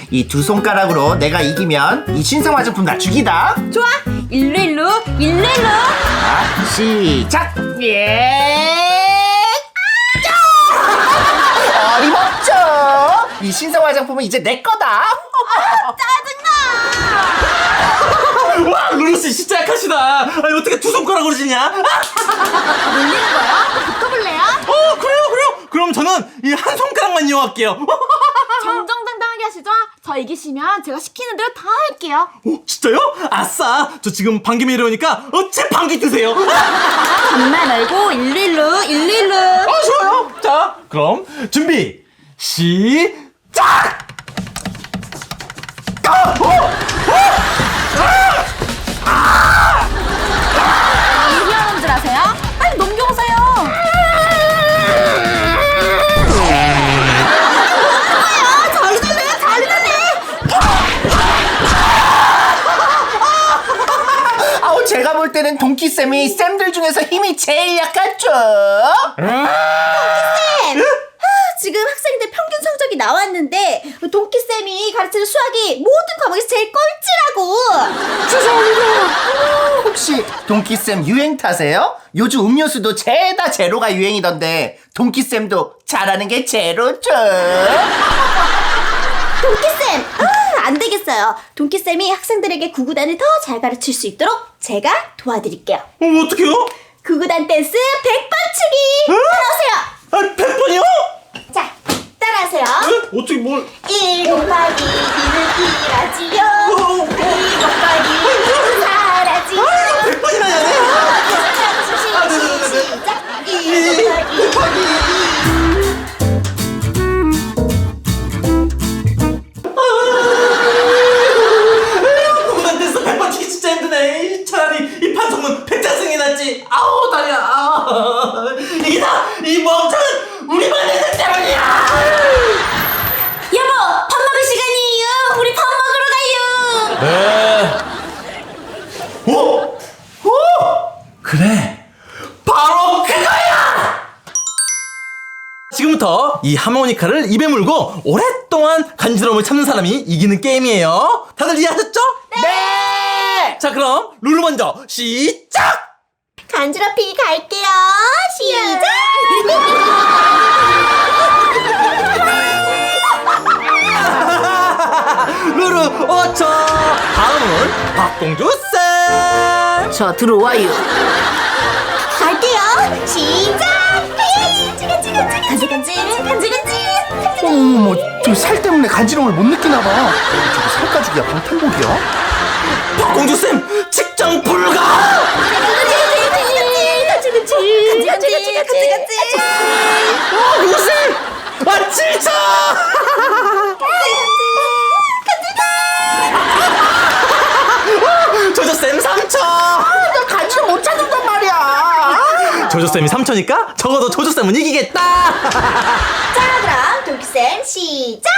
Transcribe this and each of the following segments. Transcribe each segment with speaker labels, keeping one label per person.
Speaker 1: 이 두 손가락으로 내가 이기면 이 신생 화장품 다 죽이다.
Speaker 2: 좋아. 일로.
Speaker 1: 자, 시작. 어림없죠. 이 신생 화장품은 이제 내 거다.
Speaker 2: 짜증나.
Speaker 3: 와, 루루씨 진짜 약하시다. 아니, 어떻게 두 손가락으로 지냐?
Speaker 2: 놀리는 거야? 붙어볼래요?
Speaker 3: 그래요. 그럼 저는 이 한 손가락만 이용할게요.
Speaker 2: 정정당당하게 하시죠. 저 이기시면 제가 시키는 대로 다 할게요.
Speaker 3: 진짜요? 아싸! 저 지금 방귀 이러니까 제 방귀 드세요.
Speaker 2: 정말 말고 일로.
Speaker 3: 좋아요. 자, 그럼 준비 시작!
Speaker 2: 이기하는 줄 아세요? 빨리 넘겨오세요.
Speaker 1: 아우, 제가 볼 때는 동키쌤이 쌤들 중에서 힘이 제일 약하죠.
Speaker 4: 지금 학생들 평균 성적이 나왔는데 동키쌤이 가르치는 수학이 모든 과목에서 제일 꼴찌라고.
Speaker 1: 죄송합니다. 혹시 동키쌤 유행 타세요? 요즘 음료수도 죄다 제로가 유행이던데 동키쌤도 잘하는 게 제로죠.
Speaker 4: 동키쌤, 안 되겠어요. 동키쌤이 학생들에게 구구단을 더 잘 가르칠 수 있도록 제가 도와드릴게요.
Speaker 3: 어떡해요?
Speaker 4: 구구단 댄스 100번 추기. 따라오세요.
Speaker 3: 100번이요?
Speaker 4: 자, 따라하세요.
Speaker 3: 어떻게 뭘?
Speaker 4: 1 곱하기 2는 1이라지요. 2 곱하기 2는 4라지요.
Speaker 3: 100번이나 해야 돼?
Speaker 4: 시작. 1 곱하기
Speaker 3: 구구단 댄스 100번 치기 진짜 힘드네. 차라리 이 판성문 백자승이 낫지. 아우, 다리야. 이게 다 이 멍청한 우리 반 애들 때문이야.
Speaker 4: 여보, 밥 먹을 시간이에요. 우리 밥 먹으러 가요.
Speaker 3: 네. 그래. 바로 그거야. 지금부터 이 하모니카를 입에 물고 오랫동안 간지러움을 참는 사람이 이기는 게임이에요. 다들 이해하셨죠?
Speaker 1: 네.
Speaker 3: 자, 그럼 룰을 먼저 시작.
Speaker 4: 간지럽히기 갈게요. 시작.
Speaker 3: 루루 5초. 다음은 박공주 쌤.
Speaker 2: 자, 들어와요.
Speaker 4: 갈게요. 시작. 간질간질.
Speaker 1: 어머, 저 살 때문에 간지러움을 못 느끼나 봐. 저거 살가죽이야, 방탄복이야?
Speaker 3: 박공주 쌤 측정 불가.
Speaker 4: 간질간질.
Speaker 3: 루루 쌤. 7초. 조조쌤 3초.
Speaker 1: 나 간지럼 못 찾는단 말이야.
Speaker 3: 조조쌤이 3초니까 적어도 조조쌤은 이기겠다.
Speaker 4: 자, 그럼 동키쌤 시작.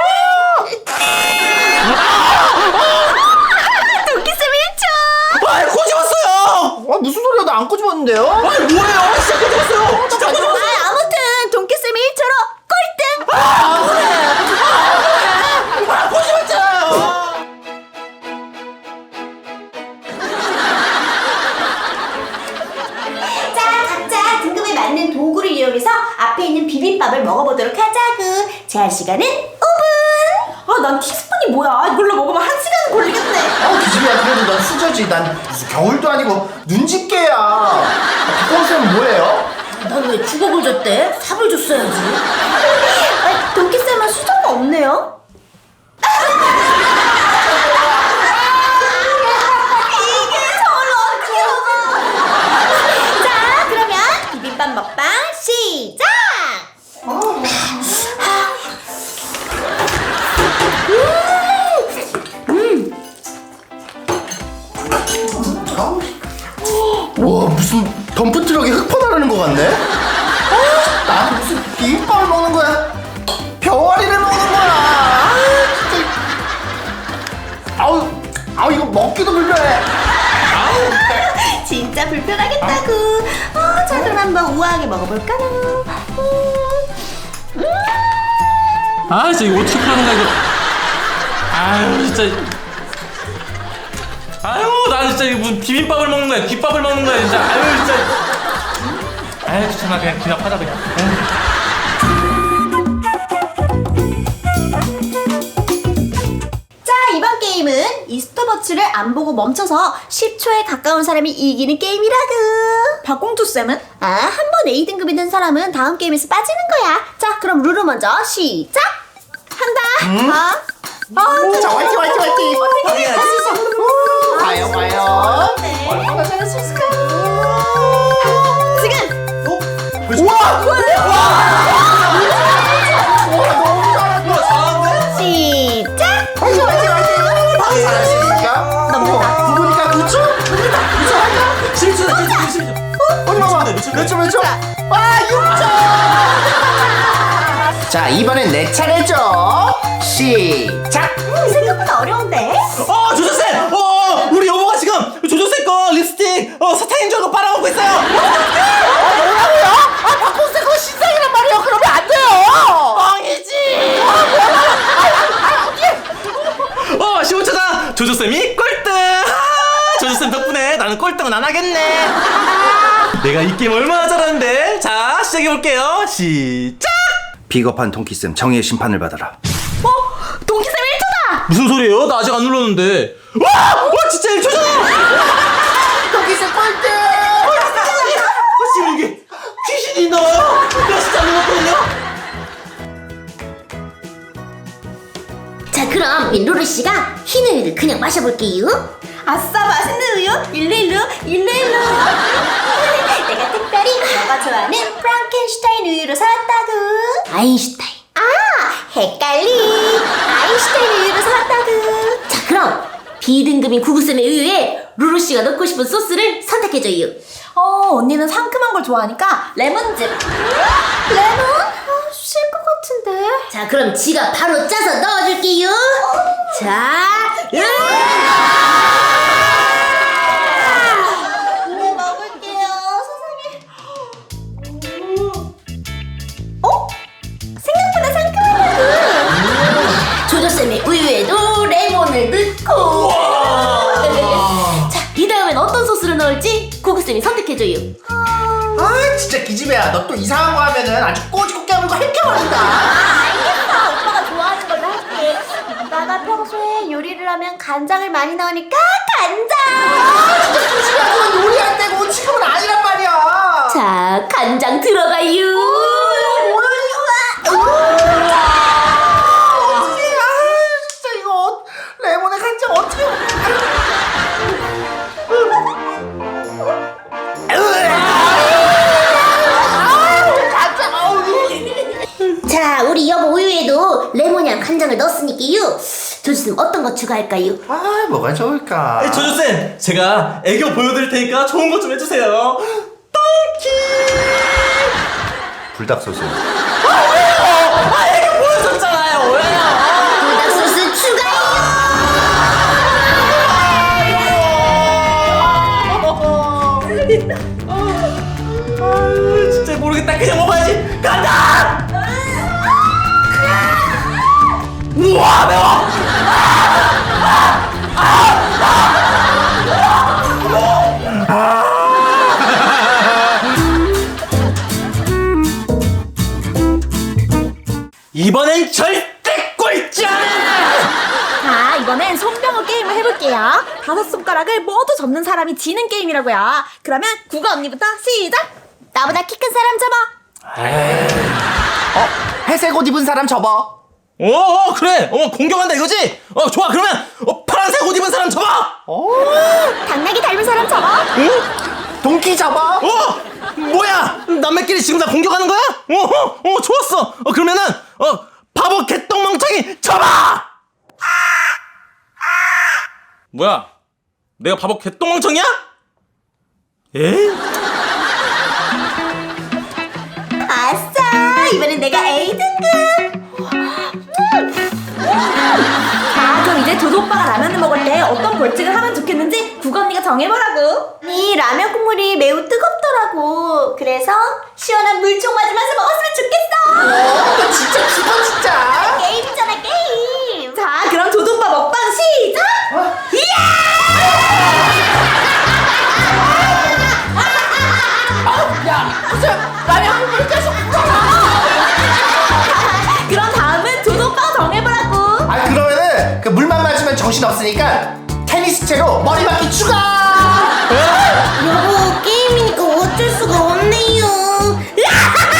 Speaker 4: 동키쌤 1초.
Speaker 3: 아, 꼬집었어요.
Speaker 1: 무슨 소리야, 나 안 꼬집었는데요?
Speaker 3: 아니, 뭐예요? 진짜 꼬집었어요. 진짜 꼬집었어요.
Speaker 4: 아무튼 동키쌤 1초로 꼴등.
Speaker 3: 꼬집었잖아요.
Speaker 4: 자, 각자 등급에 맞는 도구를 이용해서 앞에 있는 비빔밥을 먹어보도록 하자구. 제한 시간은 5분.
Speaker 2: 난 티스푼이 뭐야? 이걸로 먹으면 1시간 걸리겠네.
Speaker 1: 기집애야, 그래도 난 수저지. 난 무슨 겨울도 아니고 눈집게야. 박광쌤은 뭐예요?
Speaker 2: 난 왜 주걱을 줬대? 삽을 줬어야지.
Speaker 4: 동키쌤은 수저가 없네요. 자, 그러면 비빔밥 먹방 시작!
Speaker 1: 와, 무슨 덤프트럭에 흙퍼나르는 것 같네? 나는 무슨 비빔밥을 먹는 거야? 병아리를 먹는 거야? 진짜. 아우, 이거 먹기도 불편해.
Speaker 4: 진짜 불편하겠다구. 자, 그럼 한번 우아하게 먹어볼까요?
Speaker 3: 아, 진짜 이거 어떻게 하는 거야, 이거. 아유 진짜. 아유 난 진짜 이거 무슨 비빔밥을 먹는 거야 귓밥을 먹는 거야 진짜. 아유 진짜. 아유 귀찮아 그냥 기납하자 그냥.
Speaker 4: 자, 이번 게임은 이스터버츠를 안 보고 멈춰서 10초에 가까운 사람이 이기는 게임이라구.
Speaker 2: 박공주쌤은?
Speaker 4: 한 번 A등급이 된 사람은 다음 게임에서 빠지는 거야. 자, 그럼 룰을 먼저 시작! 한다!
Speaker 1: 자, 화이팅, 화이팅, 화이팅.
Speaker 3: 할 수 있어.
Speaker 1: 봐요, 봐요.
Speaker 4: 얼마나 잘할 수 있을까? 지금!
Speaker 1: 우와!
Speaker 4: 시작!
Speaker 1: 화이팅, 화이팅, 화이팅. 잘할 수 있을까?
Speaker 4: 넘는다.
Speaker 1: 9분이니까 9초?
Speaker 3: 실수다 실수.
Speaker 1: 어디 봐봐. 몇 초, 몇 초? 와, 6초! 자, 이번엔 내 차례죠. 시작!
Speaker 4: 생각보다 어려운데?
Speaker 3: 조조쌤! 우리 여보가 지금 조조쌤 거 립스틱 사탕인 줄 알고 빨아먹고 있어요.
Speaker 1: 뭐라고요? 박공세 그거 신상이란 말이에요. 그러면 안 돼요.
Speaker 3: 뻥이지. 15초다. 조조쌤이 꼴등. 조조쌤 덕분에 나는 꼴등은 안 하겠네. 내가 이 게임 얼마나 잘하는데. 자 시작해볼게요. 시작.
Speaker 1: 비겁한 동키쌤 정의의 심판을 받아라.
Speaker 2: 동키쌤 1초다!
Speaker 3: 무슨 소리예요? 나 아직 안 눌렀는데. 와 진짜 1초잖아.
Speaker 1: 동키쌤 꼴등!
Speaker 3: 지금 이게 귀신이 나와요. 나 진짜 안 눌렀거든요.
Speaker 5: 자, 그럼 루루 씨가 흰 우유를 그냥 마셔볼게요.
Speaker 4: 아싸, 맛있는 우유! 일로. 내가 특별히 너가 좋아하는 프랑켄슈타인 우유로 사왔다구.
Speaker 5: 아인슈타인.
Speaker 4: 헷갈리. 아인슈타인 우유로 사왔다구.
Speaker 5: 자, 그럼 B등급인 구구쌤의 우유에 루루 씨가 넣고 싶은 소스를 선택해줘요.
Speaker 2: 언니는 상큼한 걸 좋아하니까 레몬즙.
Speaker 4: 레몬? 쉴 것 같은데.
Speaker 5: 자, 그럼 지가 바로 짜서 넣어줄게요. 자,
Speaker 4: 먹을게요. 세상에. 생각보다 상큼하다구.
Speaker 5: 조조쌤의 우유에도 레몬을 넣고. 자, 이 다음엔 어떤 소스를 넣을지 구구쌤이 선택해줘요.
Speaker 1: 아, 진짜 기집애야. 너 또 이상한 거 하면은 아주 꼬집고 깨물고 헷겨버린다.
Speaker 4: 알겠어. 오빠가 좋아하는 걸로 할게. 오빠가 평소에 요리를 하면 간장을 많이 넣으니까 간장.
Speaker 1: 진짜 기집애야. 그건 요리 안 되고 지금은 아니란 말이야.
Speaker 5: 자, 간장 들어가요.
Speaker 1: 어떡해. 진짜 이거 레몬에 간장 어떻게.
Speaker 5: 자, 우리 여보 우유에도 레몬이랑 간장을 넣었으니까요. 조조쌤 어떤 거 추가할까요?
Speaker 1: 아, 뭐가 좋을까?
Speaker 3: 조조쌤 제가 애교 보여드릴 테니까 좋은 것 좀 해주세요. 똥키.
Speaker 1: 불닭 소스.
Speaker 3: 애교 보여줬잖아요. 왜요?
Speaker 5: 불닭 소스 추가요.
Speaker 3: 아유, 진짜 모르겠다. 그냥 먹어야지. 간다. 우와 매워. 이번엔 절대 꼴찌 안 해.
Speaker 2: 자, 이번엔 손병호 게임을 해볼게요. 5손가락을 모두 접는 사람이 지는 게임이라고요. 그러면 구가 언니부터 시작!
Speaker 4: 나보다 키 큰 사람 잡아.
Speaker 1: 회색 옷 입은 사람 접어.
Speaker 3: 그래. 공격한다 이거지. 좋아. 그러면 파란색 옷 입은 사람 잡아.
Speaker 4: 당나귀 닮은 사람 잡아.
Speaker 1: 동키 접어.
Speaker 3: 뭐야? 남매끼리 지금 다 공격하는 거야? 좋았어. 그러면은 바보 개똥멍청이 잡아. 뭐야? 내가 바보 개똥멍청이야? 에?
Speaker 4: 아싸, 이번엔 내가 A등급.
Speaker 2: 자, 그럼 이제 조조 오빠가 라면을 먹을 때 어떤 벌칙을 하면 좋겠는지 구가 언니가 정해보라고.
Speaker 4: 이 라면 국물이 매우 뜨겁더라고. 그래서 시원한 물총 맞으면서 먹었으면 좋겠어.
Speaker 1: 진짜 기분 진짜.
Speaker 4: 게임이잖아, 게임.
Speaker 2: 자, 그럼 조조 오빠 그럼 다음은 도도 오빠가 정해보라고.
Speaker 1: 아 그러면은 그 물만 맞으면 정신 없으니까 테니스채로 머리 맞기 추가.
Speaker 5: 여보 게임이니까 어쩔 수가 없네요.